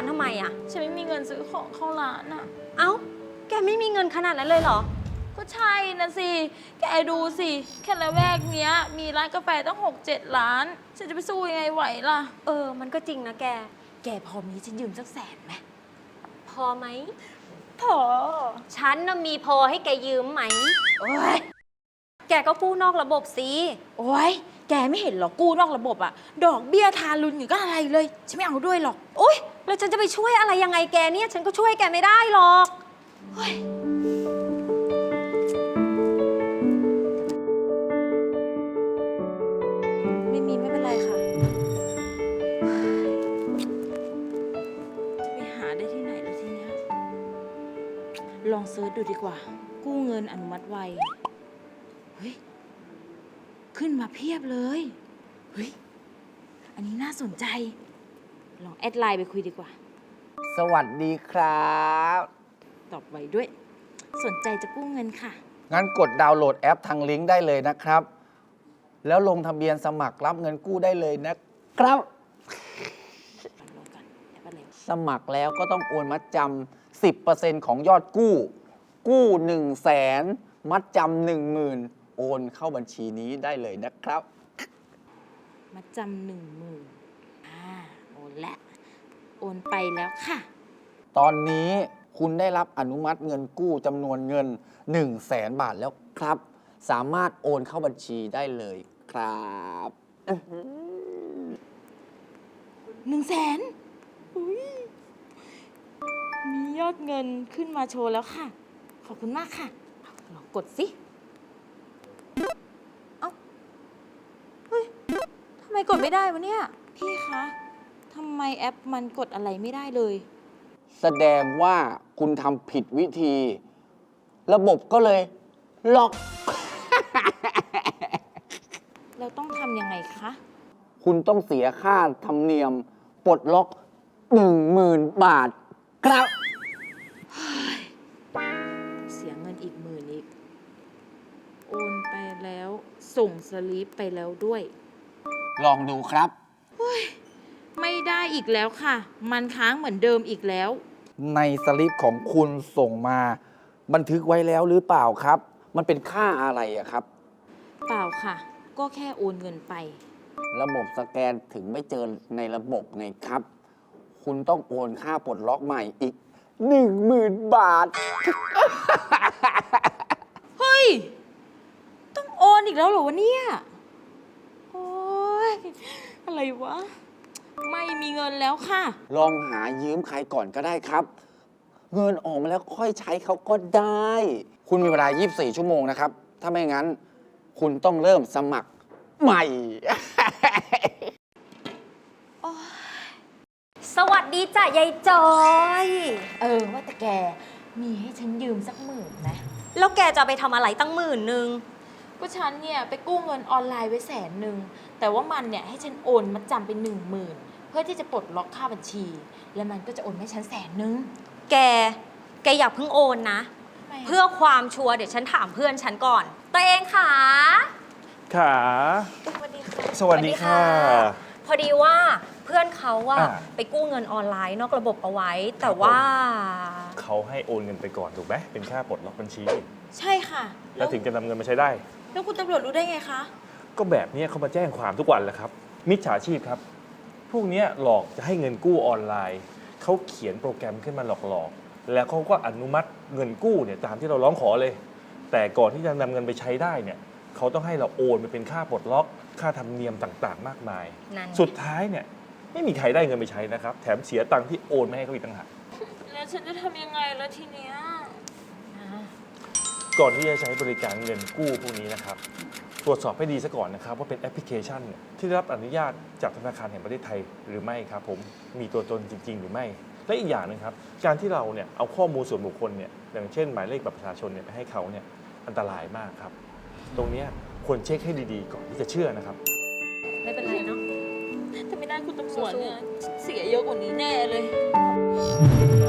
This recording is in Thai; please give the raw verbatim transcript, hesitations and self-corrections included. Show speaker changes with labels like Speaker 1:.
Speaker 1: านทำไมอ่ะ
Speaker 2: ฉันไม่มีเงินซื้อของเข้าร้านอ่ะ
Speaker 1: เอ้าแกไม่มีเงินขนาดนั้นเลยเหรอ
Speaker 2: ก็ใช่นะสิแกดูสิแค่ละแวกเนี้ยมีร้านกาแฟตั้งหกเจ็ดร้านฉันจะไปสู้ยังไงไหวล่ะ
Speaker 1: เออมันก็จริงนะแก
Speaker 2: แกพอมีฉันยืมสักแสนไหม
Speaker 1: พอไหม
Speaker 2: พอ
Speaker 1: ฉันน่ะมีพอให้แกยืมไหม
Speaker 2: โอ้ย
Speaker 1: แกก็กู้นอกระบบสิ
Speaker 2: โอ้ยแกไม่เห็นหรอกู้นอกระบบอะดอกเบี้ยทารุณอยู่ก็อะไรเลยฉันไม่เอาด้วยหรอก
Speaker 1: โอ๊ยแล้วฉันจะไปช่วยอะไรยังไงแกเนี่ยฉันก็ช่วยแกไม่ได้หรอกเฮ้ย
Speaker 2: ไม่มีไม่เป็นไรค่ะจะไปหาได้ที่ไหนแล้วทีเนี้ยลองเซิร์ชดูดีกว่ากู้เงินอนุมัติไวเฮ้ยขึ้นมาเพียบเลยเฮ้ยอันนี้น่าสนใจลองแอดไลน์ไปคุยดีกว่า
Speaker 3: สวัสดีครับ
Speaker 2: ตอบไวด้วยสนใจจะกู้เงินค่ะ
Speaker 3: งั้นกดดาวน์โหลดแอปทางลิงก์ได้เลยนะครับ แล้วลงทะเบียนสมัครรับเงินกู้ได้เลยนะครับ สมัครแล้วก็ต้องโอนมัดจำ สิบเปอร์เซ็นต์ ของยอดกู้ กู้หนึ่งแสนมัดจำหนึ่งหมื่นโอนเข้าบัญชีนี้ได้เลยนะครับ
Speaker 2: มัดจำหนึ่งหมื่นอ่าโอนแล้วโอนไปแล้วค่ะ
Speaker 3: ตอนนี้คุณได้รับอนุมัติเงินกู้จำนวนเงินหนึ่งแสนบาทแล้วครับ สามารถโอนเข้าบัญชีได้เลยครับ
Speaker 2: หนึ่งแสนมียอดเงินขึ้นมาโชว์แล้วค่ะขอบคุณมากค่ะลองกดสิเอ้าเฮ้ยทำไมกดไม่ได้วะเนี่ยพี่คะทำไมแอปมันกดอะไรไม่ได้เลย
Speaker 3: แสดงว่าคุณทำผิดวิธี ระบบก็เลยล็อก
Speaker 2: เราต้องทำยังไงคะ
Speaker 3: คุณต้องเสียค่าธรรมเนียมปลดล็อกหนึ่งหมื่นบาทครับ
Speaker 2: เสียเงินอีกหมื่นอีกโอนไปแล้วส่งสลิปไปแล้วด้วย
Speaker 3: ลองดูครับ
Speaker 2: ไม่ได้อีกแล้วค่ะมันค้างเหมือนเดิมอีกแล้ว
Speaker 3: ในสลิปของคุณส่งมาบันทึกไว้แล้วหรือเปล่าครับมันเป็นค่าอะไรอะครับ
Speaker 2: เปล่าค่ะก็แค่โอนเงินไป
Speaker 3: ระบบสแกนถึงไม่เจอในระบบไงครับ คุณต้องโอนค่าปลดล็อกใหม่อีกหนึ่งหมื่นบาท
Speaker 2: เฮ้ยต้องโอนอีกแล้วเหรอวะเนี่ยโอ้ยอะไรวะไม่มีเงินแล้วค่ะ
Speaker 3: ลองหายืมใครก่อนก็ได้ครับ เงินออกมาแล้วค่อยใช้เขาก็ได้ คุณมีเวลายี่สิบสี่ชั่วโมงนะครับถ้าไม่งั้นคุณต้องเริ่มสมัครใหม่
Speaker 1: สวัสดีจ้ะยายจอย
Speaker 2: เออว่าแต่แกมีให้ฉันยืมสักหมื่นไหม
Speaker 1: แล้วแกจะไปทำอะไรตั้งหมื่นนึง
Speaker 2: ก็ฉันเนี่ยไปกู้เงินออนไลน์ไว้แสนหนึ่งแต่ว่ามันเนี่ยให้ฉันโอนมัดจำไปหนึ่งหมื่นเพื่อที่จะปลดล็อกค่าบัญชีแล้วมันก็จะโอนให้ฉันแสนหนึ่ง
Speaker 1: แกแกอย่าเพิ่งโอนนะเพื่อความชัวร์เดี๋ยวฉันถามเพื่อนฉันก่อนตัวเองค่ะ
Speaker 4: ค่ะ
Speaker 2: สวัสดีค่ะ
Speaker 4: สวัสดีค่ะ
Speaker 1: พอดีว่าเพื่อนเขาว่าไปกู้เงินออนไลน์นอกระบบเอาไว้แต่ว่า
Speaker 4: เขาให้โอนเงินไปก่อนถูกไหมเป็นค่าปลดล็อกบัญชี
Speaker 2: ใช่ค่ะ
Speaker 4: แล้วถึงจะนำเงินมาใช้ได้
Speaker 2: แล้วคุณตำรวจรู้ได้ไงคะ
Speaker 4: ก็แบบนี้เขามาแจ้งความทุกวันแหละครับมิจฉาชีพครับพวกนี้หลอกจะให้เงินกู้ออนไลน์เขาเขียนโปรแกรมขึ้นมาหลอกๆแล้วเขาก็อนุมัติเงินกู้เนี่ยตามที่เราร้องขอเลยแต่ก่อนที่จะนำเงินไปใช้ได้เนี่ยเขาต้องให้เราโอนไปเป็นค่าปลดล็อกค่าธรรมเนียมต่างๆมากมายสุดท้ายเนี่ยไม่มีใครได้เงินไปใช้นะครับแถมเสียตังค์ที่โอนไม่ให้เขาอีกต่างหาก
Speaker 2: แล้วฉันจะทำยังไงแล้วทีเนี้ย
Speaker 4: ก่อนที่จะใช้บริการเงินกู้พวกนี้นะครับตรวจสอบให้ดีซะก่อนนะครับว่าเป็นแอปพลิเคชันที่ได้รับอนุญาตจากธนาคารแห่งประเทศไทยหรือไม่ครับผมมีตัวตนจริงๆหรือไม่และอีกอย่างนึงครับการที่เราเนี่ยเอาข้อมูลส่วนบุคคลเนี่ยอย่างเช่นหมายเลขบัตรประชาชนเนี่ยไปให้เขาเนี่ยอันตรายมากครับตรงนี้ควรเช็คให้ดีๆก่อนที่จะเชื่อนะครับ
Speaker 1: ไม่เป็นไรเนาะ
Speaker 2: ถ้าไม่ได้คุณตำรวจเนี่ยเสียเยอะกว่านี้แน่เลย